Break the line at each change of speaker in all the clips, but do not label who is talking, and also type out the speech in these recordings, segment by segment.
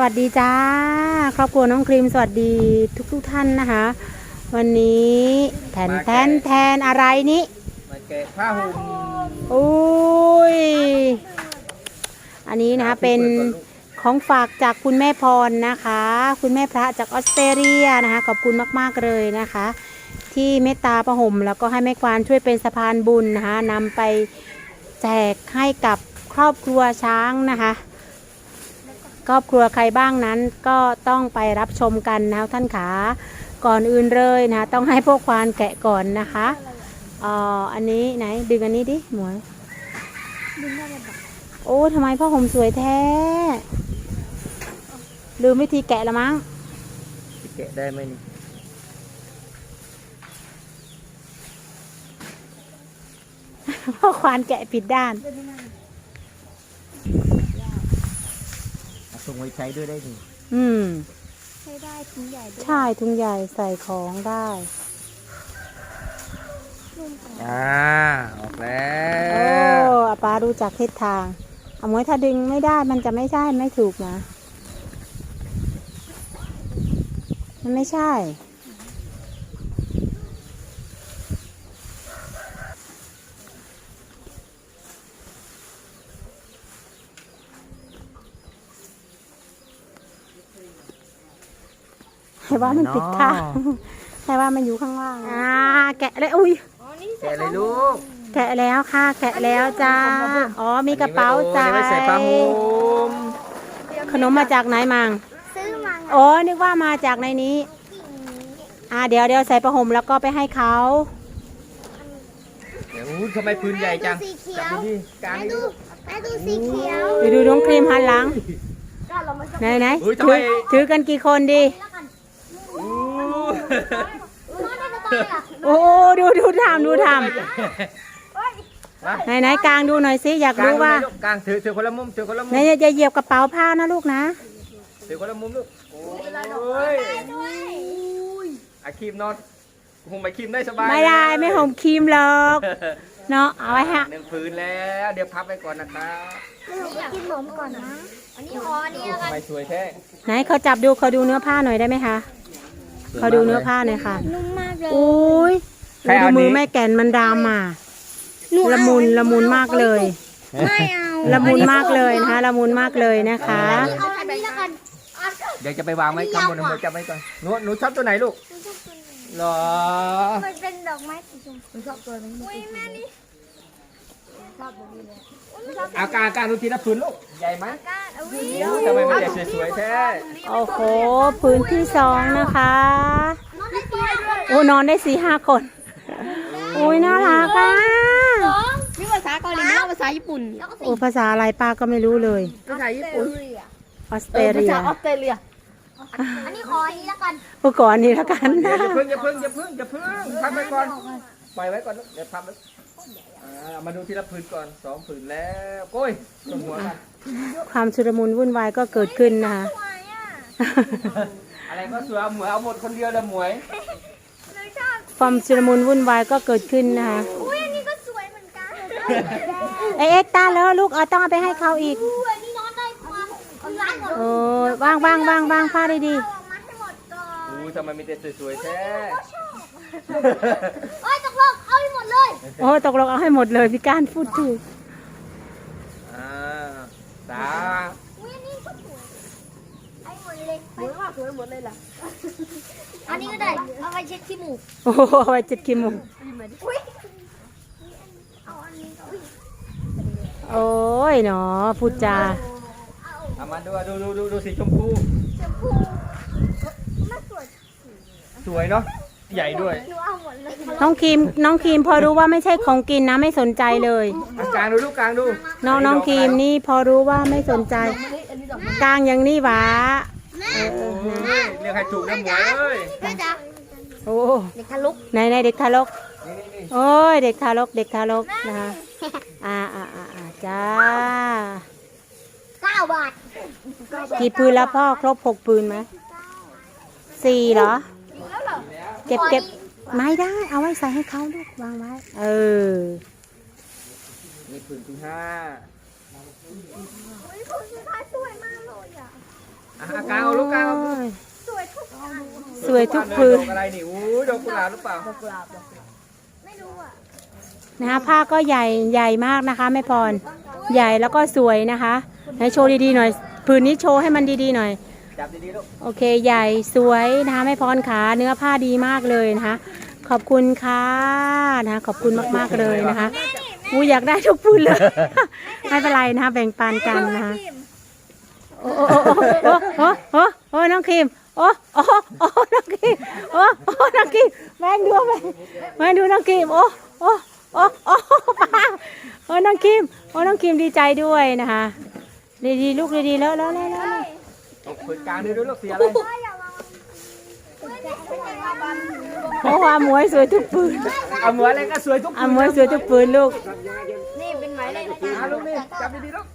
วัสดีจ้าครอบครัวน้องครีมสวัสดีทุกท่านนะคะวันนี้แทนอะไรนี้
มาแกะผ้าห่ม
อุ้ยอันนี้นะคะเป็นของฝากจากคุณแม่พรนะคะคุณแม่พระจากออสเตรเลียนะคะขอบคุณมากๆเลยนะคะที่เมตตาผ้าห่มแล้วก็ให้แม่ควานช่วยเป็นสะพานบุญนะคะนำไปแจกให้กับครอบครัวช้างนะคะครอบครัวใครบ้างนั้นก็ต้องไปรับชมกันนะท่านขาก่อนอื่นเลยนะต้องให้พวกควานแกะก่อนนะคะอันนี้ไหนดึงอันนี้ดิหมวยดึงได้เลยโอ้ทำไมผ้าห่มสวยแท้ลืมวิธีแกะละมั้ง
แกะได้ไหมนี่
พ่อควานแกะผิดด้าน
ส่งไว้ใช้ด้วยได้ดิ
ใช้ได้ถุงใหญ่ใช่ถุงใหญ่ใส่ของได้
ออกแล้ว
โอ้ป้าดูจากทิศทางเอาไว้ถ้าดึงไม่ได้มันจะไม่ใช่ไม่ถูกนะมันไม่ใช่ให้ว่ามันปิดค่ะให้ว่ามันอยู่ข้างล่างแกะเลยอุ้ย
แกะเลยลูก
แกะแล้วค่ะแกะแล้วจ้าอ๋อมีกระเป๋าใส่
ใส่ผ้าห่ม
ขนมมาจากไหนมัง
ซื้อมา
อ๋อนึกว่ามาจากในนี้เดี๋ยวใส่ผ้าห่มแล้วก็ไปให้เขา
เดี๋ยวทำไมพื้นใหญ่จังจับดูดิกลางดู
สีเขียว
ดูน้องครีมหันหลังไหนถือกันกี่คนดีโอ้ดูทำไหนกลางดูหน่อยสิอยากรู้ว่
ากลางถือคนละมุม
ไหนอย่าเหยียบกระเป๋าผ้านะลูกนะ
ถือคนละมุมลูกโอ้ยอาครีมนอนห่มไปครีมได้สบาย
ไม่ได้ไม่ห่มครีมหรอกเนาะเอาไว้ฮะ
หนึ่งพื้นแล้วเดี๋ยวพับไปก่อนนะครับ
อยากกินขนมก่อนนะอันนี้แล้วกัน
ไม่สวยแท้
ไหนเขาจับดูเขาดูเนื้อผ้าหน่อยได้ไหมคะเขาดูเนื้อผ้าหน่อยค่ะ
นุ่มมากเลย
อุ้ยดูมือแม่แก่นมันดำอ่ะละมุนมากเลย
ไม่เอา
ละมุนมากเลยนะคะละมุนมากเลยนะคะ
เอาอันนี้แล้วกัน
เดี๋ยวจะไปวางไว้ข้างบนเดี๋ยวจับไว้ก่อนหนูชอบตัวไหนลูกหรอ
มันเป็นดอกไม้สีชมพูชอบตัวนี้อุ้ยแม่นี่ชอบตัวนี้เลย
อาการดูทีละพื้นลูกใหญ่ไหมทำไมมันใหญ่สวยๆแท้
โอ้โหพื้นที่2นะคะโอ้นอนได้4-5 คนอุ้ยน่ารักอ่ะ
นี่ภาษาเกาหลีไม่ใช่ภาษาญี่ปุ่น
โอ้ภาษาอะไรป้าก็ไม่รู้เลย
ภาษาญี่ปุ่น
ออสเตรเลีย
ออสเตรเลียอันนี้ขออันนี้แล้วกัน
ก่อนนี้แล้วกัน
อย่าเพิ่งพับไว้ก่อนปล่อยไว้ก่อนเดี๋ยวพับไว้มาดูทีละพื้นก่อน2พื้นแล้วโอ้ยลงหัวกัน
ความชุลมุนวุ่นวายก็เกิดขึ้นนะคะ
อะไรก็สวยหมวยเอาหมดคนเดียวเลยหมวย
ความชุลมุนวุ่นวายก็เกิดขึ้นนะคะ
อุ้ยอันนี้ก็สวยเหมือนกัน
เอ็กตาแล้วลูกต้องเอาไปให้เขาอีก
อันนี้นอนได้ความร้านหมด
โอ้วางผ้าได้ดี
ทำไมมีแต่สวยๆแท้
โอ้ยตกลงเอาให้หมดเลย
โอ้ตกลงเอาให้หมดเลยพี่การพูดถูก
ตา
อุ้ยอันนี้ก็สวยไอ้หมดเลยสวยมากสวยหมดเลยล่ะอันนี้ก็ได้เอาไปเช็ดขี้มูก
โอ้เอาไปเช็ดขี้มูก
อุ้ยเอาอันนี้
โอ้ยเนาะพูดจา
เอามาดูสีชมพู
น่า
สวยเนาะใหญ่ด้วย
น้องครีมพอรู้ว่าไม่ใช่ของกินนะไม่สนใจเลย
กลางดูลูกกลางดู
น้องครีมนี่พอรู้ว่าไม่สนใจกลางอย่างนี้หวะ
เรียกให้ถูกนะหมวยเอ้ย
โอ้
เด็กทารก
ไหนเด็กทารกโอ้ยเด็กทารกนะคะจ้า
9 บาท
กี่ปืนแล้วพ่อครบ6 ปืนไหม4เหรอเก็บไม่ได้เอาไว้ใส่ให้เขาลูกวางไว้
นี่ปืนที่5
ปืนสุดท้ายสวยมากเลย
กางเอาลูกกางเอา
โอ้ย
สวยทุก
สวยทุกพื้น
ดอกอะไรนี่อู้ดอกกุหลาบหรือเปล่า
ไม่รู้อ่ะ
นะคะผ้าก็ใหญ่มากนะคะแม่พรใหญ่แล้วก็สวยนะคะไหนโชว์ดีๆหน่อยผืนนี้โชว์ให้มันดีๆหน่อย
จับดีๆลูก
โอเคใหญ่สวยนะคะแม่พรขาเนื้อผ้าดีมากเลยนะคะขอบคุณค่ะนะคะขอบคุณมากๆเลยนะคะอูอยากได้ทุกพื้นเลย ไม่เป็นไรนะคะแบ่งปันกันนะคะโอ้โอ้โอ้โอ้โอ้โอ้น้องครีมโอ้โอ้โอ้น้องครีมโอ้โอ้น้องครีมแม่ดูแม่ดูน้องครีมโอ้โอ้โอ้โอ้ป้าโอ้น้องครีมโอ้น้องครีมดีใจด้วยนะคะดีๆลูกดีๆแล้ว
ตกผืนกลางด้วยลูกเสียอะไร
เพราะว่าหมวยสวยทุกปืน
เอาเหมือนอะไรก็สวยทุก
อ่ะหมวยสวยทุกปืนลูก
นี่เป็นหมายเลข
ลูกนี่จับดีๆลูก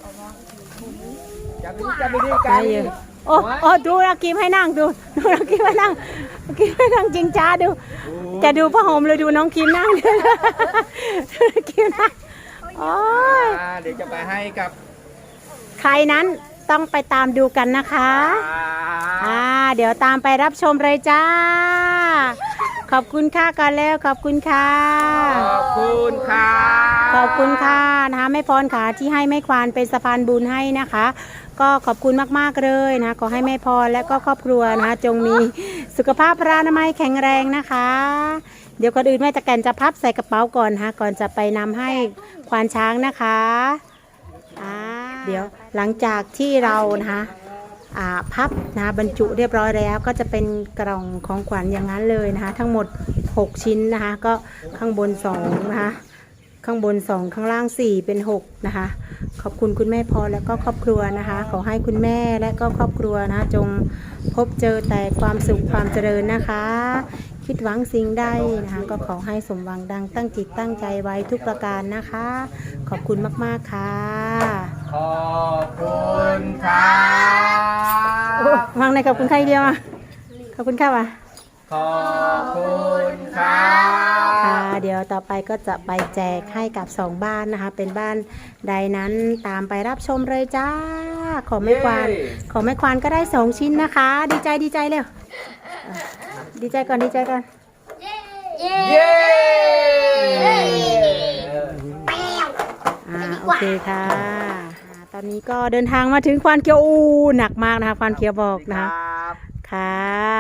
จับดีๆก
ไป
ลาง
อยู่โอ้โอ้ดูนักกีมให้นั่งดูนักกีมให้นั่งนักกีมให้นั่งจริงจ้าดู จะดูผ้าห่มเลยดูน้องคิมนั่งดูนักกีมนั่งโอ้ย
เดี๋ยวจะไปให้กับ
ใครนั้นต้องไปตามดูกันนะคะเดี๋ยวตามไปรับชมเลยจ้า ขอบคุณค่ะก่อนแล้วขอบคุณค่ะ
ขอบคุณค่ะ
ขอบคุณค่ะนะคะแม่พรค่ะที่ให้แม่ควานเป็นสะพานบุญให้นะคะ ก็ขอบคุณมากๆเลยนะขอให้แม่พรและก็ครอบครัวนะจงมีสุขภาพพระอนามัยแข็งแรงนะคะ เดี๋ยวก่อนอื่นแม่ตะแกนจะพับใส่กระเป๋าก่อนนะคะก่อนจะไปนำให้ควานช้างนะคะเดี๋ยวหลังจากที่เรานะคะพับนะบรรจุเรียบร้อยแล้วก็จะเป็นกล่องของขวัญอย่างนั้นเลยนะคะทั้งหมด6ชิ้นนะคะก็ข้างบน2นะคะข้างบน2ข้างล่าง4เป็น6นะคะขอบคุณคุณแม่พรและก็ครอบครัวนะคะขอให้คุณแม่และก็ครอบครัวนะจงพบเจอแต่ความสุขความเจริญนะคะคิดหวังสิ่งใดนะคะก็ขอให้สมหวังดังตั้งจิตตั้งใจไว้ทุกประการนะคะขอบคุณมากๆค่ะ
ขอบคุณค่ะ
วางในขอบคุณใครเดียวอ่ะขอบคุณค่ะว่ะ
ขอบคุณค่ะ
ค่ะเดี๋ยวต่อไปก็จะไปแจกให้กับ2บ้านนะคะเป็นบ้านใดนั้นตามไปรับชมเลยจ้าของแม่ควานของแม่ควานก็ได้2ชิ้นนะคะ ดีใจเร็วดีใจก่อน
เย้
เย้
โอเคค่ะตอนนี้ก็เดินทางมาถึงควานเขียวหนักมากนะคะควานเขียวบอกนะคะค่ะ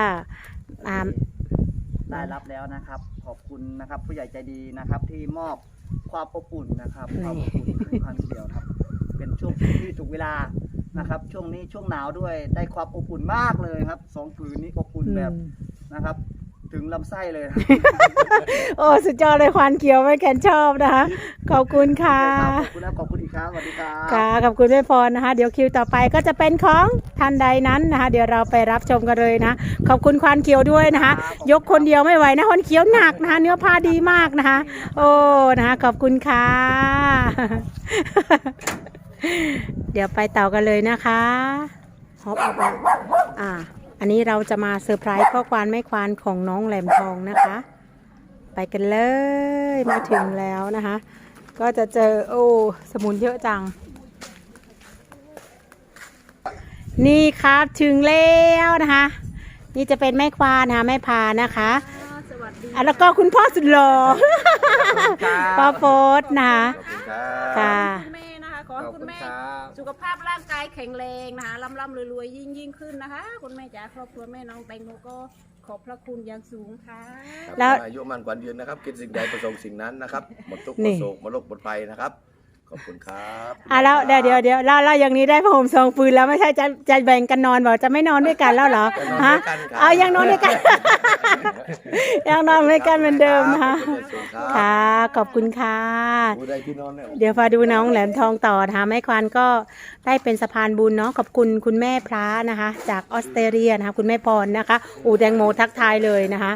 ได้รับแล้วนะครับ ขอบคุณนะครับ ผู้ใหญ่ใจดีนะครับ ที่มอบความอบอุ่นนะครับความอบอุ่นให้ความเดียวครับ เป็นช่วงที่ถูกเวลานะครับ ช่วงนี้ช่วงหนาวด้วยได้ความอบอุ่นมากเลยครับ2 ผืนนี้อบอุ่นแบบนะครับ ถึงลำไส้เลยนะ
โอ้สุดยอดเลยควานเขียวไม่แกนชอบนะคะขอบคุณค่ะ
ขอบคุณแล้วขอบคุณอีกครั้งสวัสดีครับ
ค่ะขอบคุณแม่พรนะคะเดี๋ยวคิวต่อไปก็จะเป็นของท่านใดนั้นนะคะเดี๋ยวเราไปรับชมกันเลยนะขอบคุณควานเขียวด้วยนะคะยกคนเดียวไม่ไหวนะควานเขียวหนักนะคะเนื้อผ้าดีมากนะคะโอ้นะคะขอบคุณค่ะ เดี๋ยวไปต่อกันเลยนะคะฮอปอันนี้เราจะมาเซอร์ไพรส์พ่อควานแม่ควานของน้องแหลมทองนะคะ ไปกันเลยมาถึงแล้วนะคะ ก็จะเจอโอ้สมุนเยอะจังนี่ครับถึงแล้วนะคะ นี่จะเป็นแม่ควานนะคะแม่พานะคะแล้วก็คุณพ่อสุดหล่อป้าโฟสนะคะค่ะ
คุณแม่นะคะขอให้คุณแม่สุขภาพร่างกายแข็งแรงนะคะร่ำรวยยิ่งขึ้นนะคะ คุณแม่จ๋าครอบครัวแม่น้องแตงโมก็ขอบพระคุณอย่างสูงค่ะ
แล้ว
อายุมันกว่ายืนนะครับ คิดสิ่งใดประสงค์สิ่งนั้นนะครับ หมดทุกข์ห
นี่
มดโศกหมดโรคหมดภัยนะครับ ขอบคุณครับ
แล้วเดี๋ยวเราอย่างนี้ได้ผ้าห่ม2 ฟืนแล้วไม่ใช่จะแบ่งกันนอนบอกจะไม่นอนด้วยกันแล้วเหรอฮะเอายังนอนด้วยกัน ยังนอนด้วยกันเหมือนเดิมนะคะ ค่ะขอบคุณค่ะ
ผู้ใดที่นอนเนี่ย
เดี๋ยวมาดูน้องแหลมทองต่อนะคะแม่ควานก็ได้เป็นสะพานบุญเนาะขอบคุณคุณแม่พระนะคะ จากออสเตรเลียนะคะคุณแม่พรนะคะแตงโมทักทายเลยนะคะ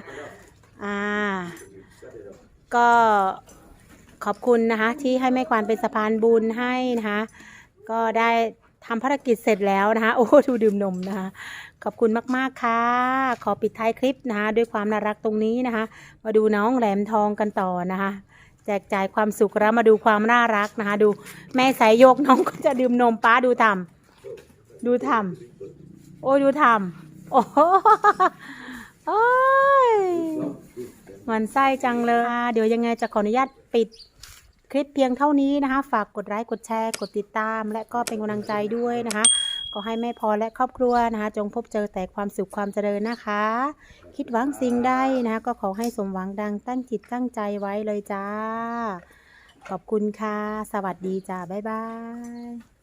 ก็ขอบคุณนะคะที่ให้แม่ควานเป็นสะพานบุญให้นะคะก็ได้ทำภารกิจเสร็จแล้วนะคะโอ้ดูดื่มนมนะคะขอบคุณมากๆค่ะขอปิดท้ายคลิปนะคะด้วยความน่ารักตรงนี้นะคะมาดูน้องแหลมทองกันต่อนะคะแจกจ่ายความสุขแล้วมาดูความน่ารักนะคะดูแม่สายโยกน้องก็จะดื่มนมป้าดูทำโอ้ยดูทำโอ้โหโอ้ยมันไส้จังเลยเดี๋ยวยังไงจะขออนุญาตปิดคลิปเพียงเท่านี้นะคะ ฝากกดไลค์กดแชร์กดติดตาม และก็เป็นกำลังใจด้วยนะคะก็ให้แม่พรและครอบครัวนะคะจงพบเจอแต่ความสุขความเจริญนะคะ คิดหวังสิ่งใดนะคะก็ขอให้สมหวังดังตั้งจิตตั้งใจไว้เลยจ้าขอบคุณค่ะสวัสดีจ้าบ๊ายบาย